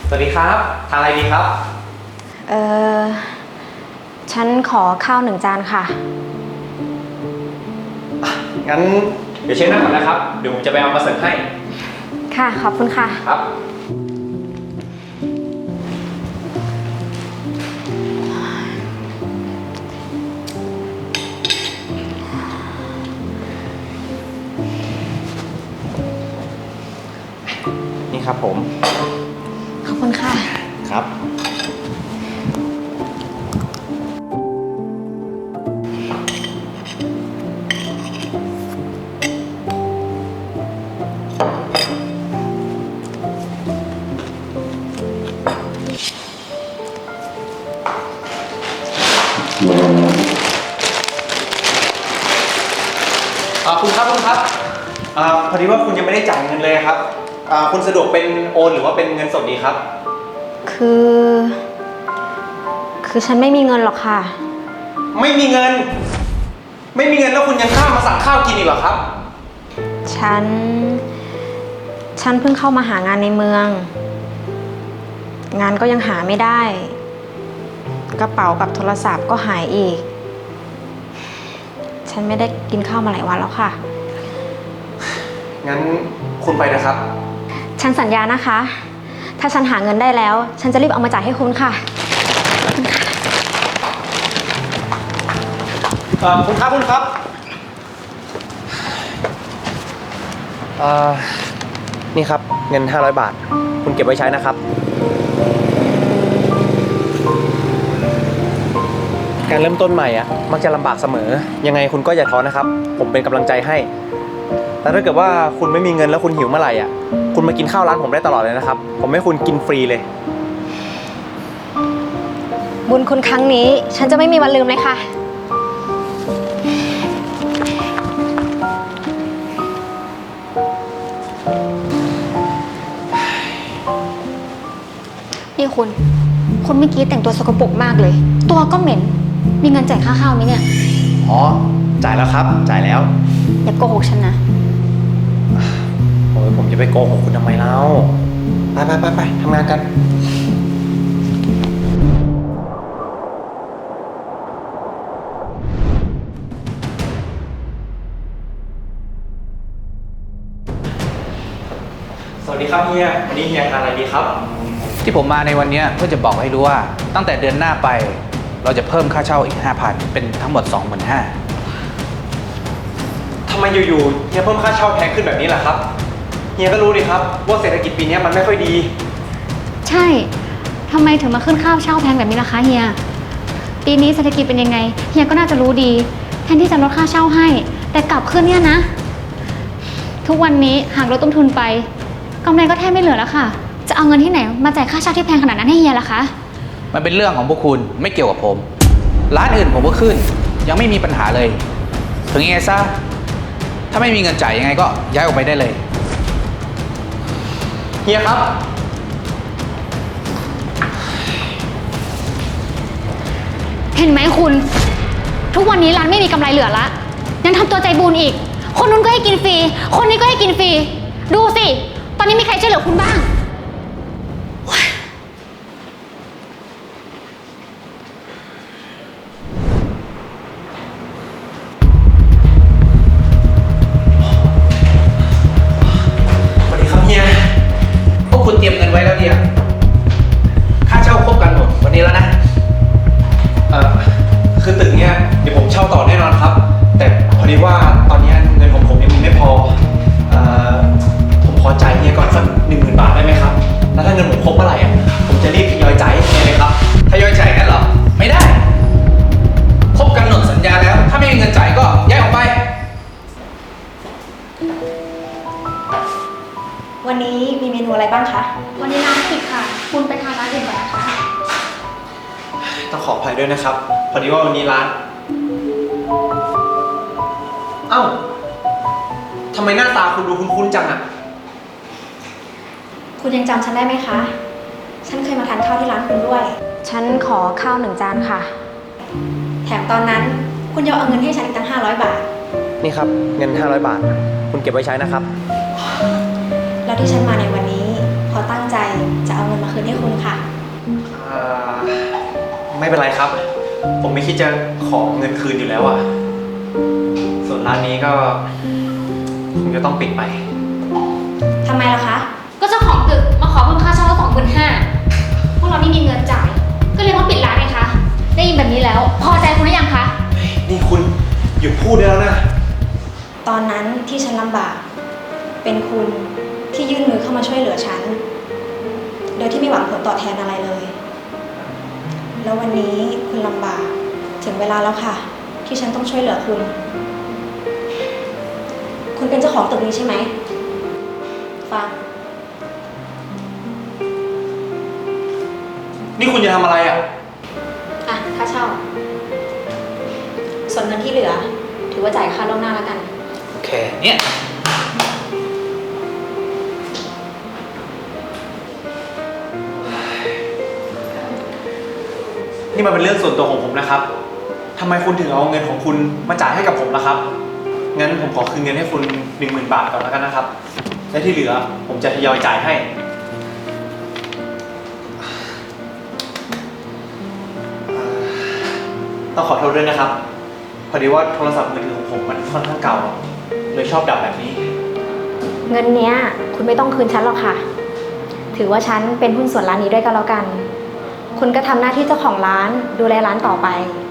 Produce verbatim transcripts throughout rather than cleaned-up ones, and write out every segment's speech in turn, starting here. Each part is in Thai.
สวัสดีครับทานอะไรดีครับเออฉันขอข้าวหนึ่งจานค่ะงั้นเดี๋ยวเช็คหน้าก่อนนะครับเดี๋ยวผมจะไปเอามาเสิร์ฟให้ค่ะขอบคุณค่ะครับนี่ครับผมขอบคุณค่ะครับคุณครับคุณครับอพอดีว่าคุณยังไม่ได้จ่ายเงินเลยครับคุณสะดวกเป็นโอนหรือว่าเป็นเงินสดดีครับคือ คือฉันไม่มีเงินหรอกค่ะไม่มีเงิน ไม่มีเงินแล้วคุณยังข้ามมาสั่งข้าวกินอีกเหรอครับฉัน ฉันเพิ่งเข้ามาหางานในเมือง งานก็ยังหาไม่ได้ กระเป๋ากับโทรศัพท์ก็หายอีก ฉันไม่ได้กินข้าวมาหลายวันแล้วค่ะงั้นคุณไปนะครับฉันสัญญานะคะ ถ้าฉันหาเงินได้แล้ว ฉันจะรีบเอามาจ่ายให้คุณค่ะเอ่อคุณครับคุณครับเอ่อนี่ครับเงินห้าร้อยบาทคุณเก็บไว้ใช้นะครับการเริ่มต้นใหม่อ่ะมักจะลำบากเสมอยังไงคุณก็อย่าท้อนะครับผมเป็นกำลังใจให้แต่ถ้าเกิดว่าคุณไม่มีเงินแล้วคุณหิวเมื่อไหร่อ่ะคุณมากินข้าวร้านผมได้ตลอดเลยนะครับผมให้คุณกินฟรีเลยบุญคุณครั้งนี้ฉันจะไม่มีวันลืมเลยค่ะนี่คุณคุณเมื่อกี้แต่งตัวสกปรกมากเลยตัวก็เหม็นมีเงินจ่ายค่าข้าวไหมเนี่ยอ๋อจ่ายแล้วครับจ่ายแล้วอย่าโกหกฉันนะโอ้ยผมจะไปโกหกคุณทำไมเล่าไปไปไปไปทำงานกันสวัสดีครับเฮียวันนี้เฮียทานอะไรดีครับที่ผมมาในวันนี้เพื่อจะบอกให้รู้ว่าตั้งแต่เดือนหน้าไปเราจะเพิ่มค่าเช่าอีก ห้าพัน เป็นทั้งหมด สองหมื่นห้าพันทำไมอยู่ๆเฮียเพิ่มค่าเช่าแพงขึ้นแบบนี้ล่ะครับเฮียก็รู้ดิครับว่าเศรษฐกิจปีนี้มันไม่ค่อยดีใช่ทำไมถึงมาขึ้นค่าเช่าแพงแบบนี้ล่ะคะเฮียปีนี้เศรษฐกิจเป็นยังไงเฮียก็น่าจะรู้ดีแทนที่จะลดค่าเช่าให้แต่กลับขึ้นเนี่ยนะทุกวันนี้หากลดต้นทุนไปกำไรก็แทบไม่เหลือแล้วค่ะจะเอาเงินที่ไหนมาจ่ายค่าเช่าที่แพงขนาดนั้นให้เฮียล่ะคะมันเป็นเรื่องของพวกคุณไม่เกี่ยวกับผมร้านอื่นผมก็ขึ้นยังไม่มีปัญหาเลยถึงยังไงซะถ้าไม่มีเงินจ่ายยังไงก็ย้ายออกไปได้เลยเฮียครับเห็นไหมคุณทุกวันนี้ร้านไม่มีกำไรเหลือละยังทำตัวใจบุญอีกคนนู้นก็ให้กินฟรีคนนี้ก็ให้กินฟรีดูสิตอนนี้มีใครช่วยเหลือคุณบ้างพวกคุณเตรียมเงินไว้แล้วเนี่ยค่าเช่าครบกันหมดวันนี้แล้วนะเอ่อคือตึกเนี้ยเดี๋ยวผมเช่าต่อแน่นอนครับแต่พอดีว่าตอนนี้เงินของผมยังมีไม่พอเอ่อผมขอจ่ายเฮียก่อนสักหนึ่งหมื่นบาทได้ไหมครับแล้วถ้าเงินผมครบเมื่อไหร่อ่ะผมจะรีบทยอยจ่ายให้เฮียเลยครับทยอยจ่ายกันเหรอไม่ได้ครบกำหนดสัญญาแล้วถ้าไม่มีเงินจ่ายก็ย้ายออกไปวันนี้มีเมนูอะไรบ้างคะวันนี้ร้านปิดค่ะคุณไปทานร้านอื่นก่อนนะคะต้องขออภัยด้วยนะครับพอดีว่าวันนี้ร้านเอ้าทำไมหน้าตาคุณดูคุ้นๆจังอ่ะคุณยังจำฉันได้ไหมคะฉันเคยมาทานข้าวที่ร้านคุณด้วยฉันขอข้าวหนึ่งจานค่ะแถมตอนนั้นคุณยังเอาเงินให้ฉันอีกตั้งห้าร้อยบาทนี่ครับเงินห้าร้อยบาทคุณเก็บไว้ใช้นะครับแล้วที่ฉันมาในวันนี้เพราะเขาตั้งใจจะเอาเงินมาคืนให้คุณค่ะอ่าไม่เป็นไรครับ ผมไม่คิดจะขอเงินคืนอยู่แล้วอะส่วนร้านนี้ก็คงจะต้องปิดไปทำไมล่ะคะก็เจ้าของตึกมาขอเพิ่มค่าเช่าสองหมื่นห้าพวกเราไม่มีเงินจ่าย ก็เลยต้องปิดร้านไงคะ ได้ยินแบบนี้แล้ว พอใจคุณหรือยังคะนี่คุณหยุดพูดได้แล้วนะตอนนั้นที่ฉันลำบาก เป็นคุณที่ยื่นมือเข้ามาช่วยเหลือฉัน โดยที่ไม่หวังผลตอบแทนอะไรเลย แล้ววันนี้คุณลำบาก ถึงเวลาแล้วค่ะ ที่ฉันต้องช่วยเหลือคุณ คุณเป็นเจ้าของตึกนี้ใช่ไหมฟังนี่คุณจะทำอะไรอะอ่ะค่าเช่า ส่วนเงินที่เหลือ ถือว่าจ่ายค่าล่วงหน้าแล้วกันโอเค เนี่ยนี่มันเป็นเรื่องส่วนตัวของผมนะครับทำไมคุณถึงเอาเงินของคุณมาจ่ายให้กับผมล่ะครับ งั้นผมขอคืนเงินให้คุณหนึ่งหมื่นบาทก่อนแล้วกันนะครับ และที่เหลือผมจะทยอยจ่ายให้ ต้องขอโทษด้วยนะครับ พอดีว่าโทรศัพท์มือถือของผมมันค่อนข้างเก่า เลยชอบดับแบบนี้เงินเนี้ย คุณไม่ต้องคืนฉันหรอกค่ะ ถือว่าฉันเป็นหุ้นส่วนร้านนี้ด้วยก็แล้วกัน คุณก็ทำหน้าที่เจ้าของร้านดูแลร้านต่อไป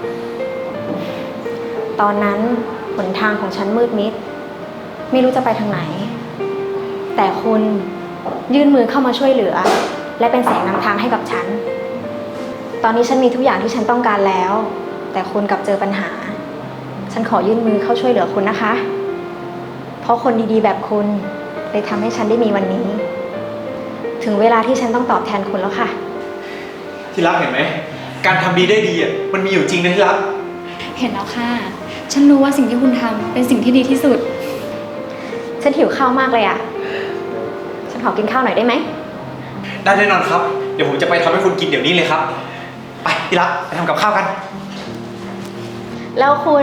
ตอนนั้นหนทางของฉันมืดมิด ไม่รู้จะไปทางไหน แต่คุณยื่นมือเข้ามาช่วยเหลือ และเป็นแสงนำทางให้กับฉัน ตอนนี้ฉันมีทุกอย่างที่ฉันต้องการแล้ว แต่คุณกลับเจอปัญหา ฉันขอยื่นมือเข้าช่วยเหลือคุณนะคะ เพราะคนดีๆแบบคุณเลยทำให้ฉันได้มีวันนี้ ถึงเวลาที่ฉันต้องตอบแทนคุณแล้วค่ะที่รักเห็นไหม การทำดีได้ดีอ่ะมันมีอยู่จริงนะที่รักเห็นแล้วค่ะ ฉันรู้ว่าสิ่งที่คุณทำเป็นสิ่งที่ดีที่สุดฉันหิวข้าวมากเลยอ่ะ ฉันขอกินข้าวหน่อยได้ไหมได้แน่นอนครับ เดี๋ยวผมจะไปทำให้คุณกินเดี๋ยวนี้เลยครับ ไปที่รักไปทำกับข้าวกันแล้วคุณ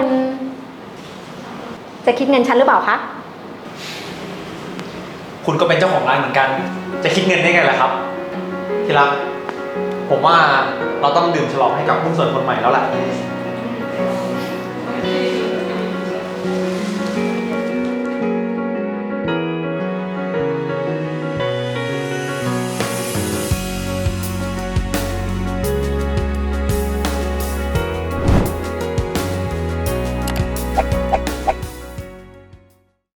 จะคิดเงินฉันหรือเปล่าคะคุณก็เป็นเจ้าของร้านเหมือนกัน จะคิดเงินได้ไงล่ะครับ ที่รัก ผมว่าเราต้องดื่มฉลองให้กับหุ้นส่วนคนใหม่แล้วแหละ